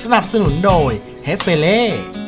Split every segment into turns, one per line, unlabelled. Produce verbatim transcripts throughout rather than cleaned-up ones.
นับสนุนโดยเฮฟเฟเล่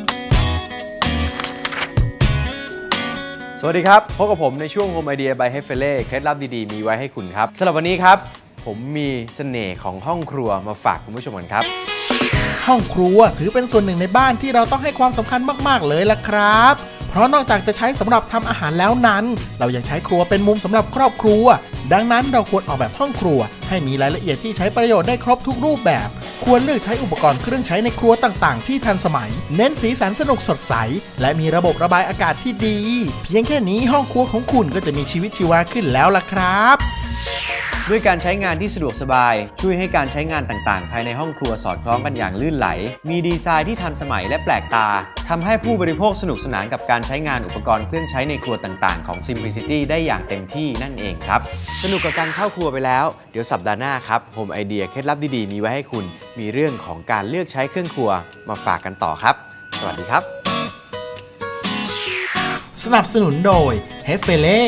สวัสดีครับพบกับผมในช่วง Home Idea by เฮฟเฟเล่เคล็ดลับดีๆมีไว้ให้คุณครับสำหรับวันนี้ครับผมมีเสน่ห์ของห้องครัวมาฝากคุณผู้ชมกันครับ
ห้องครัวถือเป็นส่วนหนึ่งในบ้านที่เราต้องให้ความสำคัญมากๆเลยล่ะครับเพราะนอกจากจะใช้สำหรับทำอาหารแล้วนั้นเรายังใช้ครัวเป็นมุมสำหรับครอบครัวดังนั้นเราควรออกแบบห้องครัวให้มีรายละเอียดที่ใช้ประโยชน์ได้ครบทุกรูปแบบควรเลือกใช้อุปกรณ์เครื่องใช้ในครัวต่างๆที่ทันสมัยเน้นสีสันสนุกสดใสและมีระบบระบายอากาศที่ดีเพียงแค่นี้ห้องครัวของคุณก็จะมีชีวิตชีวาขึ้นแล้วล่ะครับ
ด้วยการใช้งานที่สะดวกสบายช่วยให้การใช้งานต่างๆภายในห้องครัวสอดคล้องกันอย่างลื่นไหลมีดีไซน์ที่ทันสมัยและแปลกตาทำให้ผู้บริโภคสนุกสนานกับการใช้งานอุปกรณ์เครื่องใช้ในครัวต่างๆของ Simplicity ได้อย่างเต็มที่นั่นเองครับสนุกกับการเข้าครัวไปแล้วเดี๋ยวสัปดาห์หน้าครับ Home Idea เคล็ดลับดีๆมีไว้ให้คุณมีเรื่องของการเลือกใช้เครื่องครัวมาฝากกันต่อครับสวัสดีครับ
สนับสนุนโดยเฮฟเฟเล่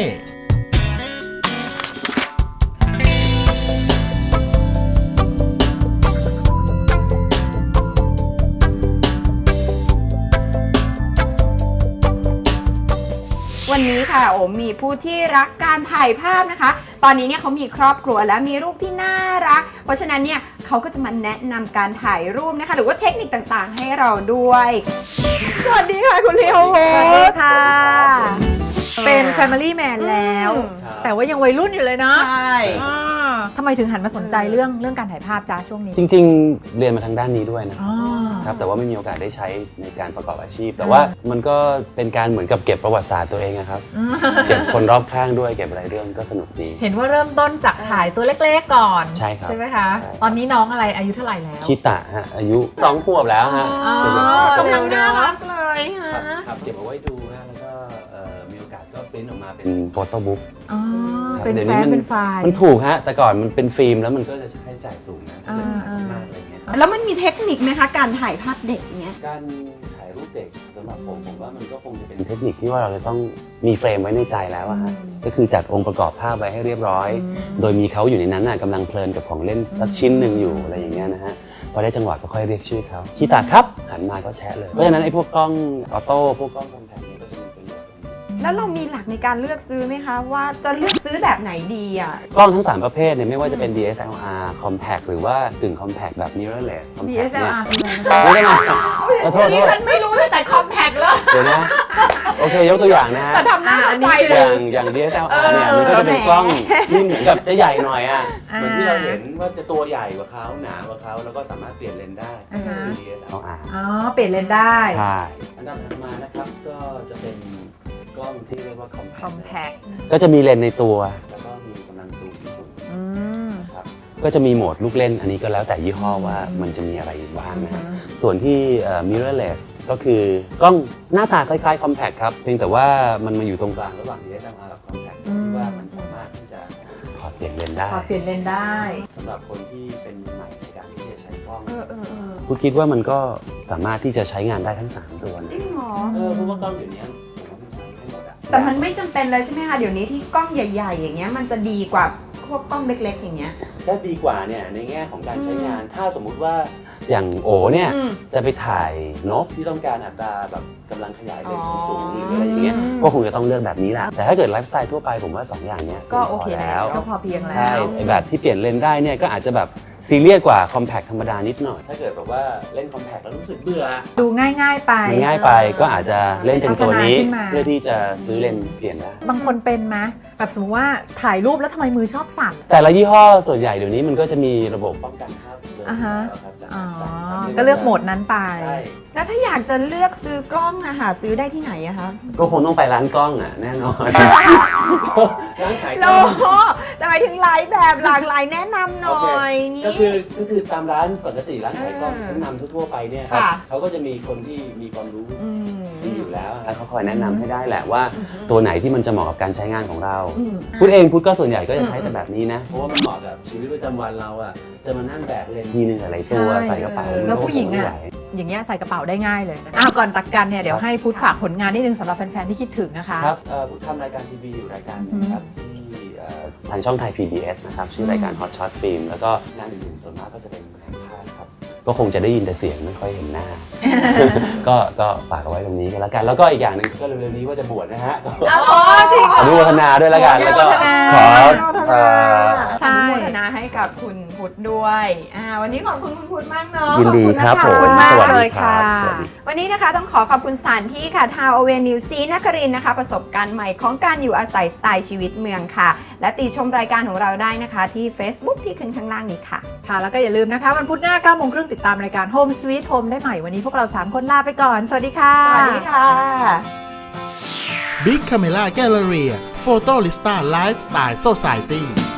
วันนี้ค่ะโอมมีผู้ที่รักการถ่ายภาพนะคะตอนนี้เนี่ยเขามีครอบครัวและมีรูปที่น่ารักเพราะฉะนั้นเนี่ยเขาก็จะมาแนะนำการถ่ายรูปนะคะหรือว่าเทคนิคต่างๆให้เราด้วยสวัสดีค่ะคุณลีโอโฮสวัสดีค่ะ
เป็น Family Man แล้วแต่ว่ายังวัยรุ่นอยู่เลยเนาะ
ใช่
ทำไมถึงหันมาสนใจเรื่องเรื่องการถ่ายภาพจ้าช่วงนี้
จริงๆเรียนมาทางด้านนี้ด้วยนะครับแต่ว่าไม่มีโอกาสได้ใช้ในการประกอบอาชีพแต่ว่ามันก็เป็นการเหมือนกับเก็บประวัติศาสตร์ตัวเองนะครับเก็บคนรอบข้างด้วยเก็บอะไรเรื่องก็สนุกดี
เห็นว่าเริ่มต้นจากถ่ายตัวเล็กๆก่อน
ใช่ครับ
ใช่ไหมคะตอนนี้น้องอะไรอายุเท่าไหร่แล้ว
คิตะฮะอายุสองขวบแล้วฮะ
กำลังน่ารักเลยฮะ
ครับเก็บเอาไว้ดูฮะแล้วก็มีโอกาสก็ปริ้นออกมาเป็นโฟโต้บุ๊ก
เป็นแฟ้มเป็นไฟล์
มันถูกฮะแต่ก่อนมันเป็นฟิล์มแล้วมันก็จะใช้จ่ายสูงนะมากอะไรเงี้ย
แล้วมันมีเทคนิคไหมคะการถ่ายภาพเด็กเนี้ย
การถ่ายรูปเด็กสำหรับผมผมว่ามันก็คงจะเป็นเทคนิคที่ว่าเราจะต้องมีเฟรมไว้ในใจแล้วอะฮะก็คือจัดองค์ประกอบภาพไว้ให้เรียบร้อยโดยมีเขาอยู่ในนั้นน่ะกำลังเพลินกับของเล่นสักชิ้นหนึ่งอยู่อะไรอย่างเงี้ยนะฮะพอได้จังหวะก็ค่อยเรียกชื่อเขาคีตาครับหันมาก็แชะเลยเพราะฉะนั้นไอ้พวกกล้องออโต้พวกกล้องคอมแพคนี้ก็จะมีประโยชน์
แล้วเรามีหลักในการเลือกซื้อไหมคะว่าจะเลือกซื้อแบบไหนดีอ่ะ
กล้องทั้งสามประเภทเนี่ยไม่ว่าจะเป็น ดี เอส แอล อาร์ Compact หรือว่ากึ่ง Compact แบบ Mirrorless Compact
ดี เอส แอล อาร์ คือ
อะไรนะขอโทษ
นี่ฉันไม่รู้เลยแต่ Compact แล้ว
เดี๋ยวนะโอเคยกตัวอย่างนะฮะ
แต่ทำหน้าใจ
อย่างอย่าง ดี เอส แอล อาร์ เนี่ยมันก็จะเป็นกล้องที่เหมือนกับจะใหญ่หน่อยอ่ะเหมือนที่เราเห็นว่าจะตัวใหญ่กว่าเขาหนากว่าเขาแล้วก็สามารถเปลี่ยนเลนส์ได้ ดี เอส แอล อาร์
อ๋อเปลี่ยนเลนส์ได้
ใช่อันดับถัดมานะครับก็จะเป็นกล้องที่เรียกว่า
Compact
ก็จะมีเลนส์ในตัวแล้วก็มีกำลังซูมที่สูงครับก็จะมีโหมดลูกเล่นอันนี้ก็แล้วแต่ยี่ห้อว่ามันจะมีอะไรบ้างนะส่วนที่ Mirrorless ก็คือกล้องหน้าตาคล้ายๆ Compact ครับเพียงแต่ว่ามันมาอยู่ตรงกลางระหว่าง ดี เอส แอล อาร์ กับ Compact ที่ว่ามันสามารถที่จะขอเปลี่ยนเลนส์ได้
ขอเปลี่ยนเลนส์ได้
สำหรับคนที่เป็นใหม่ในการที่จะใช้กล้องคุณคิดว่ามันก็สามารถที่จะใช้งานได้ทั้งสามตัวนะ
จริงเหรอ
เออเพราะว่ากล้องเดี๋ยวนี้
แต่มันไม่จำเป็นเลยใช่ไหมคะเดี๋ยวนี้ที่กล้องใหญ่ๆอย่างเงี้ยมันจะดีกว่าพวกกล้องเล็กๆอย่างเงี้ย
ถ้าดีกว่าเนี่ยในแง่ของการใช้งานถ้าสมมุติว่าอย่างโอเนี่ยจะไปถ่ายนกที่ต้องการอัตราแบบกำลังขยายเลนส์สูงหรืออะไรอย่างเงี้ยก็คงจะต้องเลือกแบบนี้แหละแต่ถ้าเกิดไลฟ์สไตล์ทั่วไปผมว่าสองอย่างเนี้ย
ก็โอเคแล้วก็พอเพียงแล้ว
ใช่แบบที่เปลี่ยนเลนส์ได้เนี่ยก็อาจจะแบบซีเรียสกว่า Compact ธรรมดานิดหน่อยถ้าเกิดแบบว่าเล่น Compact แล้วรู้สึกเบื่อ
ดูง่ายๆไป
ง่ายไปก็อาจจะเล่นเป็นตัวนี้เพื่อที่จะซื้อเลนส์เปลี่ยนได้
บางคนเป็นไหมแบบสมมติว่าถ่ายรูปแล้วทำไมมือชอบสั่น
แต่ละยี่ห้อส่วนใหญ่เดี๋ยวนี้มันก็จะมีระบบป้องกันภาพ
อ่าฮะก็เลือกโหมดนั้นไป
แล้วถ้าอยากจะเลือกซื้อกล้องนะหาซื้อได้ที่ไหนอะคะ
ก็คงต้องไปร้านกล้องอะแน่นอนร้านขาย
กล้องแต่หมายถึงหลายแบบหลากหลายแนะนำหน่อย
นี่ก็คือก็คือตามร้านปกติร้านขายกล้องชั้นนำทั่วๆไปเนี่ยครับเขาก็จะมีคนที่มีความรู้ที่อยู่แล้วแล้วเขาคอยแนะนำให้ได้แหละว่าตัวไหนที่มันจะเหมาะกับการใช้งานของเราพูดเองพูดก็ส่วนใหญ่ก็จะใช้แต่แบบนี้นะเพราะว่ามันเหมาะกับชีวิตประจำวันเราอะจะมานั่งแบกเลนส์ทีนึงอะไรตัวใส่กระเป๋า
แล้วผู้หญิงอะอย่างเงี้ยใส่กระเป๋าได้ง่ายเลยอ้าวก่อนจากกันเนี่ยเดี๋ยวให้พุทธฝากผลงานนิดนึงสำหรับแฟนๆที่คิดถึงนะคะ
ครับพุทธทำรายการทีวีอยู่รายการนึงครับที่ทางช่องไทย พี บี เอส นะครับชื่อรายการ Hot Shot Film แล้วก็งานอื่นๆส่วนมากก็จะเป็นงานภาพครับก็คงจะได้ยินแต่เสียงไม่ค่อยเห็นหน้า ก็ก็ฝากเอาไว้ตรงนี้กันแล้วกันแล้วก็อีกอย่างหนึ่งก็เร็วๆนี้ว่าจะบวชนะฮะ
อ๋อจริงเหร
อนุโมทนาด้วยแล้วกันแล้วก็ ขอ
อนุโมทนา
ใช่
อนุโมทนาให้กับคุณพุทธด้วยอ่าวันนี้ขอบคุณคุณพุทธมากเนอะ
ยินดีครับ
ข
ผ
อบ
ม
คุณมาก
สวัส
เล
ดี
ย
ครั
ค่ะ
บสวัสดี
วันนี้นะคะต้องขอขอบคุณสถานที่ค่ะทาวเวนิวซีนครินทร์นะคะ ประสบการณ์ใหม่ของการอยู่อาศัยสไตล์ชีวิตเมืองค่ะ และติชมรายการของเราได้นะคะที่ Facebook ที่ขึ้นข้างล่างนี้ค่ะ
ค่ะ แล้วก็อย่าลืมนะคะวันพุธหน้าเก้าโมงครึ่งติดตามรายการ Home Sweet Home ได้ใหม่วันนี้พวกเราสามคนลาไปก่อน สวัสดีค่ะ
สวัสดีค่ะ
Big Camera Gallery Photolista Lifestyle Society